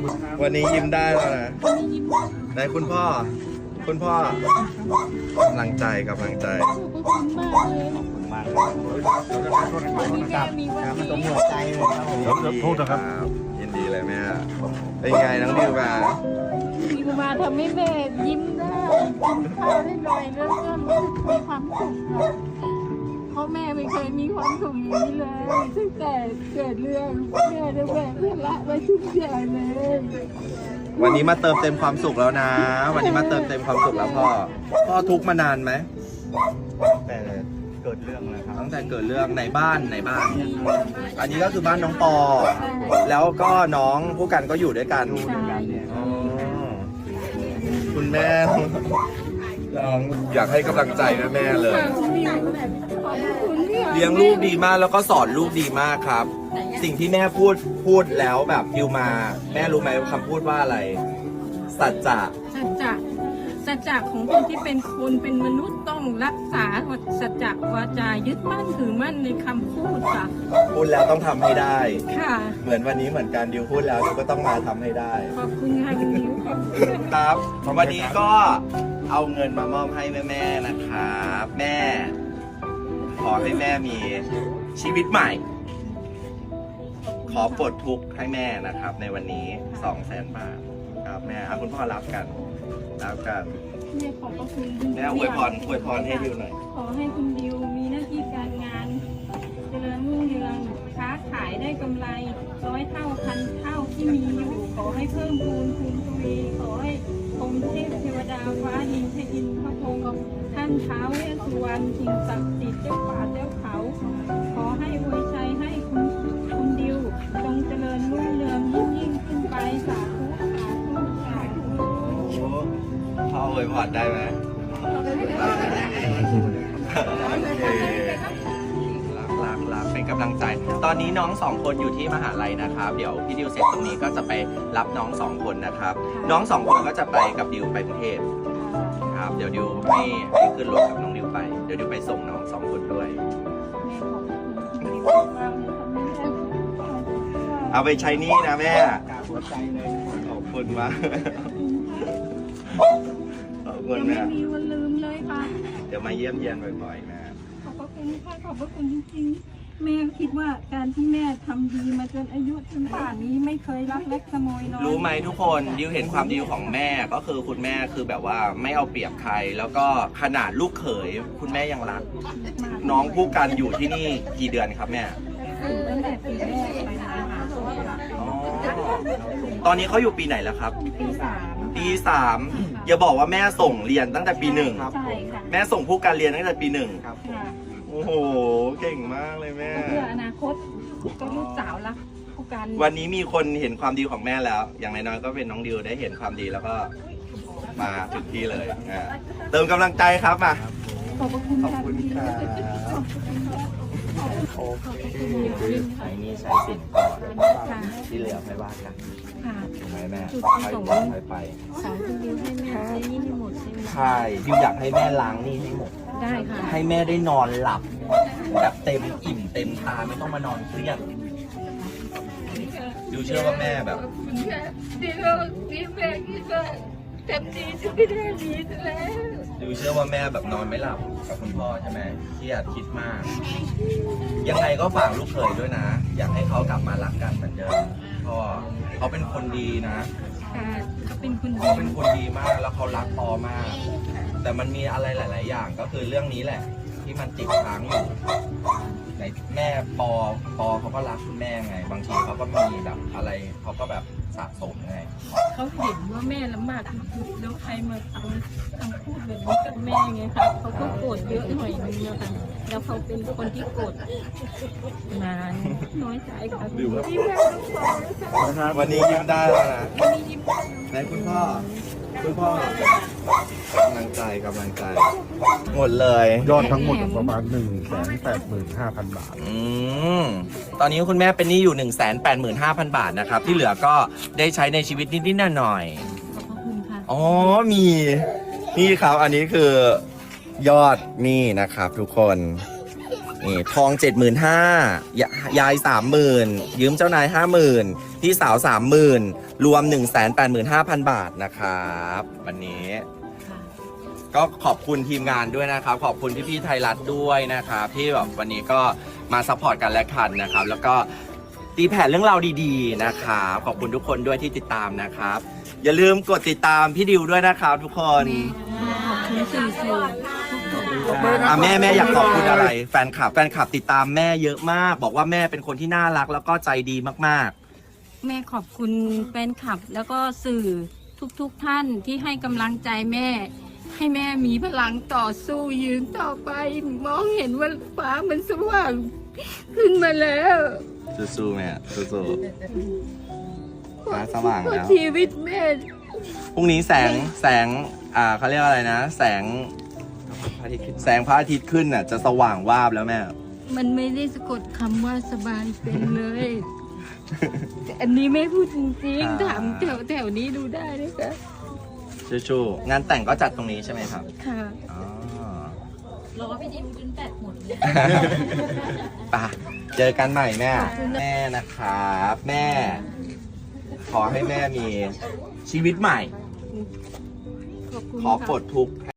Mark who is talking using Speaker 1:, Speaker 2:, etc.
Speaker 1: วันนี้ยิ้มได้แล้วนะไหนคุณพ่อกำลังใจ
Speaker 2: ขอบคุณมากเลยวันนี้แม่มีวันนี้
Speaker 3: หัวใจเลยครับผม
Speaker 1: โทษนะครับยินดีเลยแม่เป็นไงน้องดิวมา
Speaker 2: มีมาทำให้แม่ยิ้มได้กินข้าวได้หน่อยแล้วก็รู้สึกมีความสุขค่ะเพราะแม่ไม่เคยมีความสุขอย่างนี้เลยตั้งแต่เกิดเรื่องแม่ได้แบกภาระไว้ทุกอย่างเลย
Speaker 1: วันนี้มาเติมเต็มความสุขแล้วนะ วันนี้มาเติมเต็มความสุขแล้วพ่อทุกข์มานานไหม
Speaker 3: แต่เกิดเรื่องนะครับ
Speaker 1: ตั้งแต่เกิดเรื่องในบ้าน อันนี้ก็คือบ้านน้องปอ แล้วก็น้องผู้กันก็อยู่ด้วยกันอ๋อคุณแม่น้องอยากให้กำลังใจแม่เลย เลี้ยงลูกดีมากแล้วก็สอนลูกดีมากครับ สิ่งที่แม่พูดแล้วแบบดิวมา แม่รู้ไหมคำพูดว่าอะไร สัจจะ
Speaker 2: สัจจะของคนที่เป็นคนเป็นมนุษย์ต้องรักษาสัจจะวาจายึดมั่นถือมั่นในคำพูดค่ะ
Speaker 1: พูดแล้วต้องทำให้ได้
Speaker 2: ค่ะ
Speaker 1: เหมือนวันนี้เหมือนกันดิวพูดแล้วดิวก็ต้องมาทำให้ได้
Speaker 2: ขอบคุณค่ะคุณนิ้วขอบคุณ
Speaker 1: ครับวันนี้ก็เอาเงินมามอบให้แม่ๆนะครับแม่ ขอให้แม่มีชีวิตใหม่ ขอปลดทุกข์ให้แม่นะครับ ในวันนี้ 200,000 บาทครับแม่เอาคุณพ่อรับกัน
Speaker 2: แม่ขอบพระคุณ
Speaker 1: แม่อวยพรให้ดิวหน่อย
Speaker 2: ขอให้คุณดิวมีหน้าที่การงานเจริญรุ่งเรืองค้าขายได้กำไร100 เท่าพันเท่าที่มีอยู่ขอให้เพิ่มพูนคูณทวีขอให้องค์เทพเทวดาฟ้าดินพระอินทร์พระพรหมท่านท้าวเวสสุวรรณสิ่งศักดิ์สิทธิ์เจ้าป่าเจ้าเขา ขอให้อวยชัยให้คุณดิวจงเจริญรุ่งเรืองยิ่งขึ้นไปสาธุสาธุ
Speaker 1: พ่ออวยพรได้ไหมรักเป็นกำลังใจ ตอนนี้น้อง2 คนอยู่ที่มหาลัยนะครับ เดี๋ยวพี่ดิวเสร็จตรงนี้ก็จะไปรับน้อง2 คนนะครับ น้อง2 คนก็จะไปกับดิวไปกรุงเทพครับ เดี๋ยวดิวให้ขึ้นรถกับน้องดิวไป เดี๋ยวดิวไปส่งน้อง2 คนด้วย เอาไปใช้หนี่นะแม่
Speaker 3: หัวใจเลย
Speaker 1: ขอบคุณมากขอบคุณ
Speaker 2: ยังไม่
Speaker 1: แม่
Speaker 2: มีวันลืมเลยค่ะ
Speaker 1: เดี๋ยวมาเยี่ยมเยียนบ่อยๆแม่
Speaker 2: ขอบพระคุณค่ะขอบพระคุณจริงๆแม่คิดว่าการที่แม่ทำดีมาจนอายุถึงป่านนี้ไม่เคยรักเล็กขโมยน้อย
Speaker 1: รู้ไหมทุกคนดิวเห็นความดีของแม่ก็คือคุณแม่คือแบบว่าไม่เอาเปรียบใคร แล้วก็ขนาดลูกเขยคุณแม่ยังรัก น้องผู้กันอยู่ที่นี่กี่เดือนครับแม่
Speaker 2: ตั้งแต่ปีแรกไปมาหา
Speaker 1: อ๋อตอนนี้เขาอยู่ปีไหนแล้วครับ
Speaker 2: ปี 3
Speaker 1: ปี3อย่าบอกว่าแม่ส่งเรียนตั้งแต่ปี
Speaker 2: ใช่ค่ะ
Speaker 1: 1แม่ส่งผู้กันเรียนตั้งแต่ปี 1
Speaker 3: ครับ
Speaker 2: ค่ะ
Speaker 1: โอ้โหเก่งมากเลยแม่
Speaker 2: เพื่ออนาคตก็ลูกสาวรักผู้กัน
Speaker 1: วันนี้มีคนเห็นความดีของแม่แล้ว อย่างน้อยๆก็เป็นน้องดิวได้เห็นความดีแล้วก็มาถึงที่เลยเติมกำลังใจครับมา
Speaker 2: ขอบพระคุณ
Speaker 1: ขอบ
Speaker 2: ค่ะ
Speaker 1: คุณครับโอเคใช้นี่ใช้สินก่อน
Speaker 2: ค่ะ
Speaker 1: ที่เหลือไม่ว่ากัน
Speaker 2: ค่ะ
Speaker 1: ถูกไหมแม่
Speaker 2: จุด
Speaker 1: ค่อย
Speaker 2: ประสงค์
Speaker 1: ค่อยไป
Speaker 2: สอนคุณดิวให้แม่ใช้หนี่ให้หมดใช่ไหม
Speaker 1: ใช่ดิวอยากให้แม่ล้างหนี่ให้หมด
Speaker 2: ได้ค่ะ
Speaker 1: ให้แม่ได้นอนหลับแบบเต็มอิ่มเต็มตาไม่ต้องมานอนเครียดดิวเชื่อว่าแม่แบบ
Speaker 2: ดีแล้วดีแม่คิดว่าเต็มที่จะไม่ได้ดีแล้ว
Speaker 1: ดิวเชื่อว่าแม่แบบนอนไม่หลับกับคุณพ่อใช่ไหมเครียดคิดมาก ยังไงก็ฝากลูกเขยด้วยนะ อยากให้เขากลับมารักกันเหมือนเดิมเพราะเขาเป็นคนดีนะ
Speaker 2: ค่ะเขาเป็นคนดี
Speaker 1: เขาเป็นคนดีมากแล้วเขารักปอมาก แต่มันมีอะไรหลาย ๆ อย่างก็คือเรื่องนี้แหละ ที่มันติดค้างอยู่ในแม่ปอเขาก็รักคุณแม่ไง บางทีเขาก็มีแบบอะไรเขาก็แบบสะสมไง
Speaker 2: เขาเห็นว่าแม่ลำบากแล้วใครมาทำพูดแบบนี้กับแม่ไงคะเขาก็โกรธเยอะหน่อยนึงนะคะแล้วเขาเป็นคนที่โกรธนานน้อยใจค่ะที่แม่ต้องขอ
Speaker 1: วันนี้ยิ้มได้แล้วนะ
Speaker 2: วันนี้ยิ้ม
Speaker 1: ไหนคุณพ่อกำลังใจหมดเลย
Speaker 3: ยอดทั้งหมดประมาณ 185,000 บาท
Speaker 1: ตอนนี้คุณแม่เป็นหนี้อยู่ 185,000 บาทนะครับ ที่เหลือก็ได้ใช้ในชีวิตนิดๆหน่อย
Speaker 2: ขอบพระคุณค่ะ
Speaker 1: ๆอ๋อมีนี่ครับอันนี้คือยอดหนี้นะครับทุกคนนี่ทอง 75,000ยาย 30,000ยืมเจ้านาย 50,000พี่สาว 30,000 รวม 185,000 บาทนะครับวันนี้ ก็ขอบคุณทีมงานด้วยนะครับ ขอบคุณพี่ๆไทยรัฐด้วยนะครับที่แบบวันนี้ก็มาซัพพอร์ตกันและกันนะครับ แล้วก็ตีแผ่เรื่องราวดีๆนะครับขอบคุณทุกคนด้วยที่ติดตามนะครับ อย่าลืมกดติดตามพี่ดิวด้วยนะครับทุกคน
Speaker 2: ขอบคุณสื่อ
Speaker 1: แม่อยากขอบคุณอะไรแฟนคลับติดตามแม่เยอะมาก บอกว่าแม่เป็นคนที่น่ารักแล้วก็ใจดีมาก
Speaker 2: แม่ขอบคุณแฟนคลับแล้วก็สื่อทุกท่านที่ให้กำลังใจแม่ ให้แม่มีพลังต่อสู้ยืนต่อไป มองเห็นว่าฟ้ามันสว่างขึ้นมาแล้ว
Speaker 1: ๆสู้ๆแม่สู้ๆฟ้าสว่าง
Speaker 2: เพราะ
Speaker 1: แล้ว
Speaker 2: ชีวิตแม่
Speaker 1: พรุ่งนี้แสงเขาเรียกว่าอะไรนะ แสงพระอาทิตย์ขึ้นน่ะจะสว่างวาบแล้วแม่
Speaker 2: มันไม่ได้สะกดคำว่าสบายเป็นเลย แต่อันนี้ไม่พูดจริงๆถามแถวนี้ดูได้นะคะ
Speaker 1: ชูๆงานแต่งก็จัดตรงนี้ใช่ไหมครับ
Speaker 2: ค่ะ
Speaker 1: อ๋อ
Speaker 4: รอพี่ดิวจนแปดหมดเลย
Speaker 1: ป่ะเจอกันใหม่แม่แม่นะครับแม่ ขอให้แม่มีชีวิตใหม่
Speaker 2: ขอบคุณ
Speaker 1: ขอ
Speaker 2: ค่ะ
Speaker 1: ปลดทุกข์